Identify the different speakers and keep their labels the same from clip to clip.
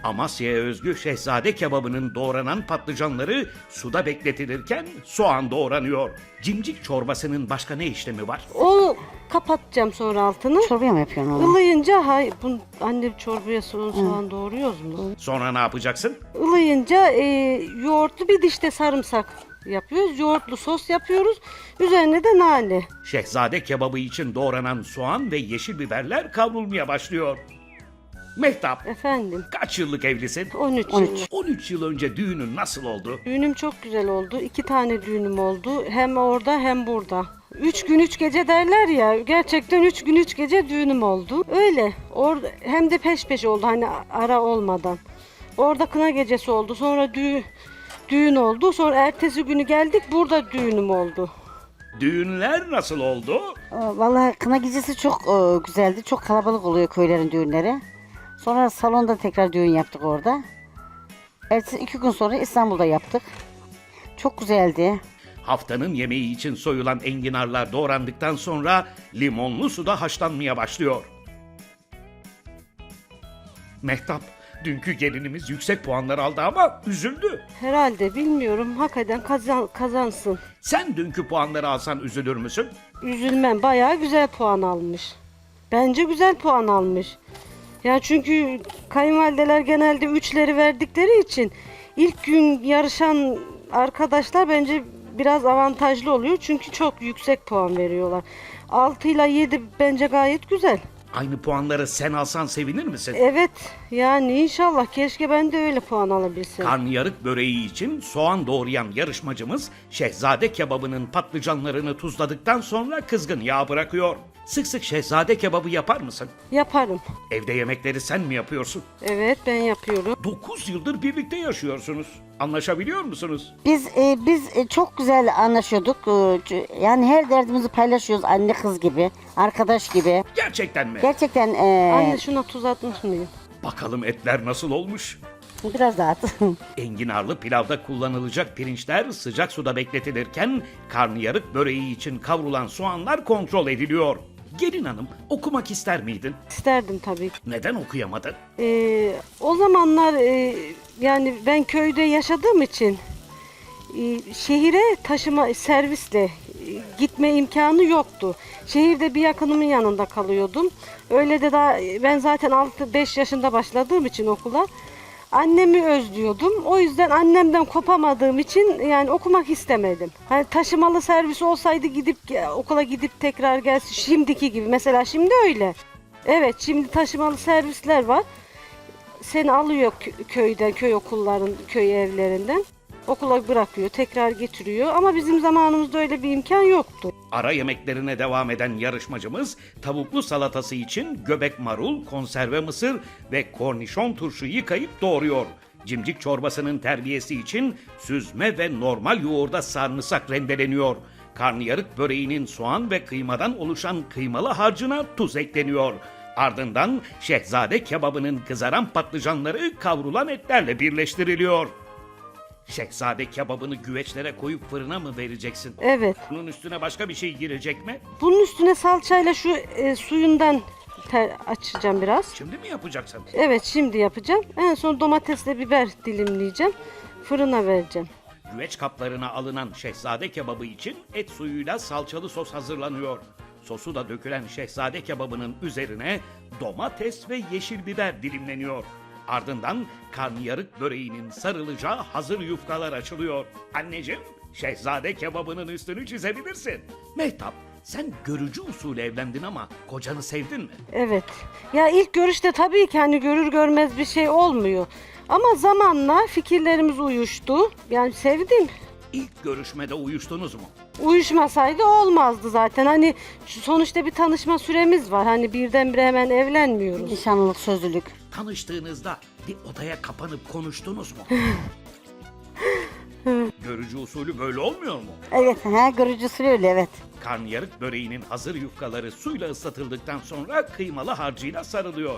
Speaker 1: Amasya'ya özgü şehzade kebabının doğranan patlıcanları suda bekletilirken soğan doğranıyor. Cimcik çorbasının başka ne işlemi var?
Speaker 2: O kapatacağım sonra altını.
Speaker 3: Çorbaya mı yapıyorsun onu?
Speaker 2: Ilıyınca anne çorbaya soğan doğruyoruz mu?
Speaker 1: Sonra ne yapacaksın?
Speaker 2: Ilıyınca yoğurtlu bir dişte sarımsak yapıyoruz. Yoğurtlu sos yapıyoruz. Üzerine de nane.
Speaker 1: Şehzade kebabı için doğranan soğan ve yeşil biberler kavrulmaya başlıyor. Mehtap,
Speaker 2: Efendim,
Speaker 1: kaç yıllık evlisin?
Speaker 2: 13
Speaker 3: 13.
Speaker 2: yıl.
Speaker 1: 13 yıl önce düğünün nasıl oldu?
Speaker 2: Düğünüm çok güzel oldu. 2 tane düğünüm oldu. Hem orada hem burada. 3 gün 3 gece derler ya. Gerçekten 3 gün 3 gece düğünüm oldu. Öyle. Orada hem de peş peşe oldu hani ara olmadan. Orada kına gecesi oldu. Sonra düğün oldu. Sonra ertesi günü geldik. Burada düğünüm oldu.
Speaker 1: Düğünler nasıl oldu?
Speaker 3: Vallahi kına gecesi çok güzeldi. Çok kalabalık oluyor köylerin düğünleri. Sonra salonda tekrar düğün yaptık orada. Ertesi 2 gün sonra İstanbul'da yaptık. Çok güzeldi.
Speaker 1: Haftanın yemeği için soyulan enginarlar doğrandıktan sonra limonlu suda haşlanmaya başlıyor. Mehtap, dünkü gelinimiz yüksek puanlar aldı ama üzüldü.
Speaker 2: Herhalde bilmiyorum. Hakikaten kazansın.
Speaker 1: Sen dünkü puanları alsan üzülür müsün?
Speaker 2: Üzülmem. Bayağı güzel puan almış. Bence güzel puan almış. Ya çünkü kayınvalideler genelde 3'leri verdikleri için ilk gün yarışan arkadaşlar bence biraz avantajlı oluyor. Çünkü çok yüksek puan veriyorlar. 6 ile 7 bence gayet güzel.
Speaker 1: Aynı puanları sen alsan sevinir misin?
Speaker 2: Evet yani inşallah keşke ben de öyle puan alabilsem.
Speaker 1: Karnıyarık böreği için soğan doğrayan yarışmacımız şehzade kebabının patlıcanlarını tuzladıktan sonra kızgın yağ bırakıyor. Sık sık şehzade kebabı yapar mısın?
Speaker 2: Yaparım.
Speaker 1: Evde yemekleri sen mi yapıyorsun?
Speaker 2: Evet ben yapıyorum.
Speaker 1: 9 yıldır birlikte yaşıyorsunuz. Anlaşabiliyor musunuz?
Speaker 3: Biz çok güzel anlaşıyorduk. Yani her derdimizi paylaşıyoruz anne kız gibi, arkadaş gibi.
Speaker 1: Gerçekten mi?
Speaker 3: Gerçekten
Speaker 2: Anne şuna tuz atmış mıyım?
Speaker 1: Bakalım etler nasıl olmuş?
Speaker 3: biraz daha at.
Speaker 1: Enginarlı pilavda kullanılacak pirinçler sıcak suda bekletilirken karnıyarık böreği için kavrulan soğanlar kontrol ediliyor. Gelin hanım, okumak ister miydin?
Speaker 2: İsterdim tabii.
Speaker 1: Neden okuyamadın?
Speaker 2: O zamanlar yani ben köyde yaşadığım için şehire taşıma servisle gitme imkanı yoktu. Şehirde bir yakınımın yanında kalıyordum. Öyle de daha ben zaten 6-5 yaşında başladığım için okula annemi özlüyordum. O yüzden annemden kopamadığım için yani okumak istemedim. Hani taşımalı servis olsaydı okula gidip tekrar gelsin şimdiki gibi. Mesela şimdi öyle. Evet şimdi taşımalı servisler var. Seni alıyor köyden, köy okulların, köy evlerinden. Okula bırakıyor, tekrar getiriyor. Ama bizim zamanımızda öyle bir imkan yoktu.
Speaker 1: Ara yemeklerine devam eden yarışmacımız tavuklu salatası için göbek marul, konserve mısır ve kornişon turşu yıkayıp doğruyor. Cimcik çorbasının terbiyesi için süzme ve normal yoğurda sarımsak rendeleniyor. Karnıyarık böreğinin soğan ve kıymadan oluşan kıymalı harcına tuz ekleniyor. Ardından şehzade kebabının kızaran patlıcanları kavrulan etlerle birleştiriliyor. Şehzade kebabını güveçlere koyup fırına mı vereceksin?
Speaker 2: Evet.
Speaker 1: Bunun üstüne başka bir şey girecek mi?
Speaker 2: Bunun üstüne salçayla şu suyundan açacağım biraz.
Speaker 1: Şimdi mi yapacaksın?
Speaker 2: Evet şimdi yapacağım. En son domatesle biber dilimleyeceğim. Fırına vereceğim.
Speaker 1: Güveç kaplarına alınan şehzade kebabı için et suyuyla salçalı sos hazırlanıyor. Sosu da dökülen şehzade kebabının üzerine domates ve yeşil biber dilimleniyor. Ardından karnıyarık böreğinin sarılacağı hazır yufkalar açılıyor. Anneciğim, şehzade kebabının üstünü çizebilirsin. Mehtap, sen görücü usulü evlendin ama kocanı sevdin mi?
Speaker 2: Evet. Ya ilk görüşte tabii ki hani görür görmez bir şey olmuyor. Ama zamanla fikirlerimiz uyuştu. Yani sevdim.
Speaker 1: İlk görüşmede uyuştunuz mu?
Speaker 2: Uyuşmasaydı olmazdı zaten. Hani sonuçta bir tanışma süremiz var. Hani birdenbire hemen evlenmiyoruz.
Speaker 3: Nişanlılık, sözlülük.
Speaker 1: Tanıştığınızda bir odaya kapanıp konuştunuz mu? Görücü usulü böyle olmuyor mu?
Speaker 3: Evet, görücüsü öyle evet.
Speaker 1: Karnıyarık böreğinin hazır yufkaları suyla ıslatıldıktan sonra kıymalı harcıyla sarılıyor.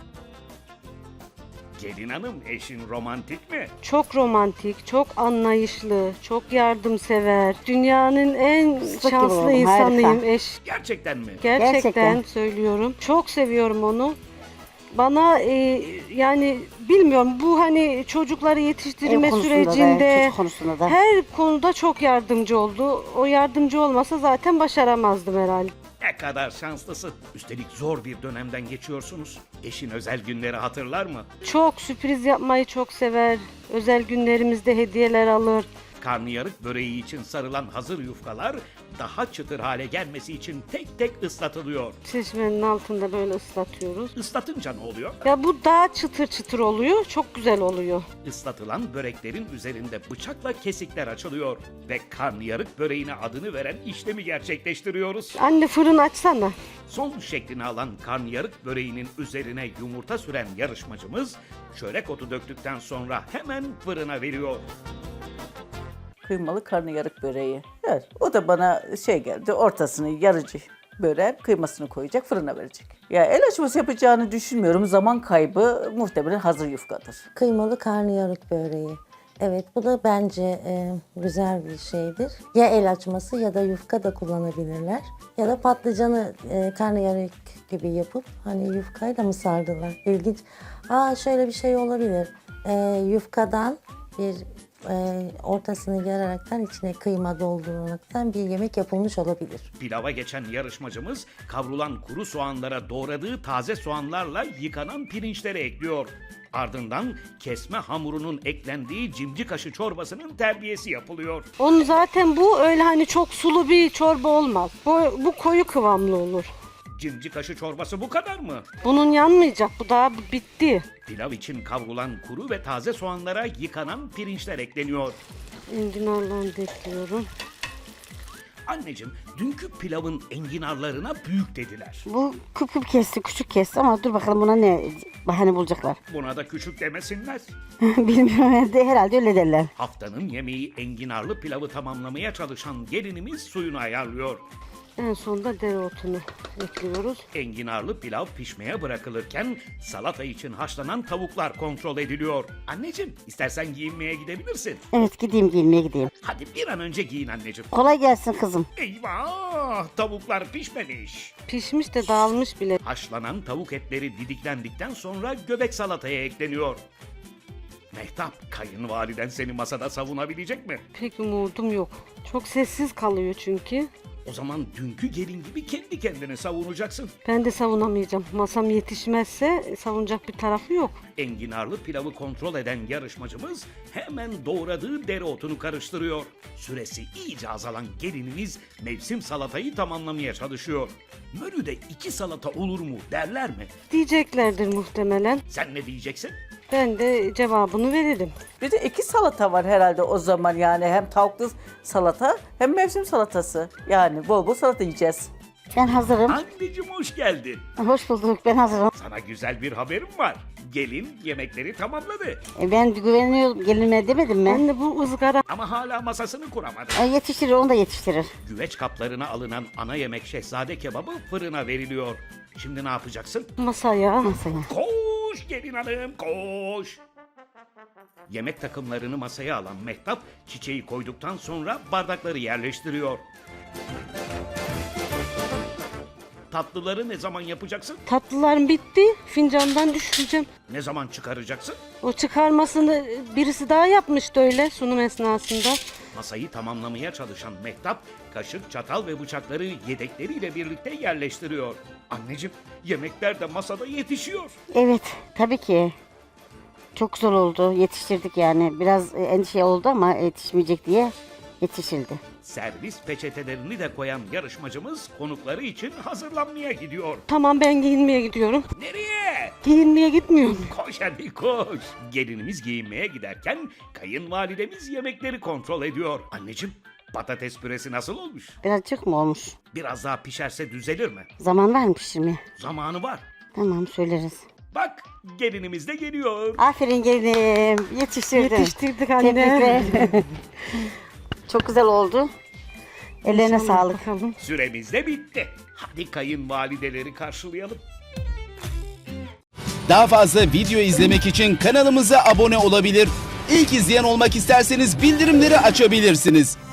Speaker 1: Gelin hanım, eşin romantik mi?
Speaker 2: Çok romantik, çok anlayışlı, çok yardımsever. Dünyanın en
Speaker 3: Fıstık
Speaker 2: şanslı
Speaker 3: gibi oğlum,
Speaker 2: insanıyım
Speaker 3: harika.
Speaker 2: eş.
Speaker 1: Gerçekten mi?
Speaker 2: Gerçekten
Speaker 3: Gerçekten.
Speaker 2: söylüyorum. Çok seviyorum onu. Bana yani bilmiyorum, bu hani çocukları yetiştirme
Speaker 3: Ev konusunda da,
Speaker 2: sürecinde
Speaker 3: çocuk konusunda da.
Speaker 2: her konuda çok yardımcı oldu. O yardımcı olmasa zaten başaramazdım herhalde.
Speaker 1: Ne kadar şanslısın. Üstelik zor bir dönemden geçiyorsunuz. Eşin özel günleri hatırlar mı?
Speaker 2: Çok sürpriz yapmayı çok sever. Özel günlerimizde hediyeler alır.
Speaker 1: Karnıyarık böreği için sarılan hazır yufkalar daha çıtır hale gelmesi için tek tek ıslatılıyor.
Speaker 2: Çeşmenin altında böyle ıslatıyoruz.
Speaker 1: Islatınca ne oluyor?
Speaker 2: Ya bu daha çıtır çıtır oluyor. Çok güzel oluyor.
Speaker 1: Islatılan böreklerin üzerinde bıçakla kesikler açılıyor ve karnıyarık böreğine adını veren işlemi gerçekleştiriyoruz.
Speaker 2: Anne fırın açsana.
Speaker 1: Son şeklini alan karnıyarık böreğinin üzerine yumurta süren yarışmacımız çörek otu döktükten sonra hemen fırına veriyor.
Speaker 4: Kıymalı karnıyarık böreği. Evet, o da bana şey geldi, ortasını yarıcı böreğin kıymasını koyacak, fırına verecek. Ya el açması yapacağını düşünmüyorum. Zaman kaybı muhtemelen hazır yufkadır.
Speaker 5: Kıymalı karnıyarık böreği. Evet, bu da bence güzel bir şeydir. Ya el açması ya da yufka da kullanabilirler. Ya da patlıcanı karnıyarık gibi yapıp hani yufkayla mı sardılar? İlginç. Şöyle bir şey olabilir. Yufkadan bir ortasını yararaktan içine kıyma dolduraraktan bir yemek yapılmış olabilir.
Speaker 1: Pilava geçen yarışmacımız kavrulan kuru soğanlara doğradığı taze soğanlarla yıkanan pirinçleri ekliyor. Ardından kesme hamurunun eklendiği cimcik aşı çorbasının terbiyesi yapılıyor.
Speaker 2: Onun zaten bu öyle hani çok sulu bir çorba olmaz. Bu koyu kıvamlı olur.
Speaker 1: Cimcik aşı çorbası bu kadar mı?
Speaker 2: Bunun yanmayacak. Bu daha bitti.
Speaker 1: Pilav için kavrulan kuru ve taze soğanlara yıkanan pirinçler ekleniyor.
Speaker 2: Enginarlarını da ekliyorum.
Speaker 1: Anneciğim, dünkü pilavın enginarlarına büyük dediler.
Speaker 3: Bu küp küp kesti, küçük kesti ama dur bakalım buna ne bahane bulacaklar.
Speaker 1: Buna da küçük demesinler.
Speaker 3: Bilmiyorum, herhalde öyle derler.
Speaker 1: Haftanın yemeği enginarlı pilavı tamamlamaya çalışan gelinimiz suyunu ayarlıyor.
Speaker 2: En sonunda dereotunu ekliyoruz.
Speaker 1: Enginarlı pilav pişmeye bırakılırken salata için haşlanan tavuklar kontrol ediliyor. Anneciğim, istersen giyinmeye gidebilirsin.
Speaker 3: Evet, gideyim giyinmeye gideyim.
Speaker 1: Hadi bir an önce giyin anneciğim.
Speaker 3: Kolay gelsin kızım.
Speaker 1: Eyvah! Tavuklar pişmemiş.
Speaker 2: Pişmiş de dağılmış bile.
Speaker 1: Haşlanan tavuk etleri didiklendikten sonra göbek salataya ekleniyor. Mehtap, kayınvaliden seni masada savunabilecek mi?
Speaker 2: Pek umudum yok. Çok sessiz kalıyor çünkü.
Speaker 1: O zaman dünkü gelin gibi kendi kendini savunacaksın.
Speaker 2: Ben de savunamayacağım. Masam yetişmezse savunacak bir tarafı yok.
Speaker 1: Enginarlı pilavı kontrol eden yarışmacımız hemen doğradığı dereotunu karıştırıyor. Süresi iyice azalan gelinimiz mevsim salatayı tamamlamaya çalışıyor. Menüde 2 salata olur mu derler mi?
Speaker 2: Diyeceklerdir muhtemelen.
Speaker 1: Sen ne diyeceksin?
Speaker 2: Ben de cevabını veririm.
Speaker 4: Bir de 2 salata var herhalde o zaman, yani hem tavuklu salata hem mevsim salatası. Yani bol bol salata yiyeceğiz.
Speaker 3: Ben hazırım.
Speaker 1: Anneciğim hoş geldin.
Speaker 3: Hoş bulduk, ben hazırım.
Speaker 1: Sana güzel bir haberim var. Gelin yemekleri tamamladı.
Speaker 3: Ben güveniyorum gelinime demedim mi?
Speaker 2: Ben de bu ızgara
Speaker 1: Ama hala masasını kuramadı.
Speaker 3: Yetiştirir, onu da yetiştirir.
Speaker 1: Güveç kaplarına alınan ana yemek şehzade kebabı fırına veriliyor. Şimdi ne yapacaksın?
Speaker 2: masaya.
Speaker 3: Masaya.
Speaker 1: Koş gelin hanım koş. Yemek takımlarını masaya alan Mehtap çiçeği koyduktan sonra bardakları yerleştiriyor. Tatlıları ne zaman yapacaksın?
Speaker 2: Tatlılarım bitti. Fincandan düşüreceğim.
Speaker 1: Ne zaman çıkaracaksın?
Speaker 2: O çıkarmasını birisi daha yapmıştı öyle sunum esnasında.
Speaker 1: Masayı tamamlamaya çalışan Mehtap kaşık, çatal ve bıçakları yedekleriyle birlikte yerleştiriyor. Anneciğim, yemekler de masada yetişiyor.
Speaker 3: Evet, tabii ki. Çok güzel oldu, yetiştirdik yani. Biraz endişe oldu ama yetişmeyecek diye yetişildi.
Speaker 1: Servis peçetelerini de koyan yarışmacımız konukları için hazırlanmaya gidiyor.
Speaker 2: Tamam, ben giyinmeye gidiyorum.
Speaker 1: Nereye?
Speaker 2: Giyinmeye gitmiyorum.
Speaker 1: Koş hadi koş. Gelinimiz giyinmeye giderken kayınvalidemiz yemekleri kontrol ediyor. Anneciğim, patates püresi nasıl olmuş?
Speaker 3: Birazcık mı olmuş?
Speaker 1: Biraz daha pişerse düzelir mi?
Speaker 3: Zaman var mı pişirmeye?
Speaker 1: Zamanı var.
Speaker 3: Tamam, söyleriz.
Speaker 1: Bak, gelinimiz de geliyor.
Speaker 3: Aferin gelinim, yetiştirdin.
Speaker 2: Yetiştirdik anne.
Speaker 3: Tebrikler. Çok güzel oldu. Ellerine
Speaker 2: İnşallah
Speaker 3: sağlık.
Speaker 2: bakalım.
Speaker 1: Süremiz de bitti. Hadi kayınvalideleri karşılayalım.
Speaker 6: Daha fazla video izlemek için kanalımıza abone olabilir. İlk izleyen olmak isterseniz bildirimleri açabilirsiniz.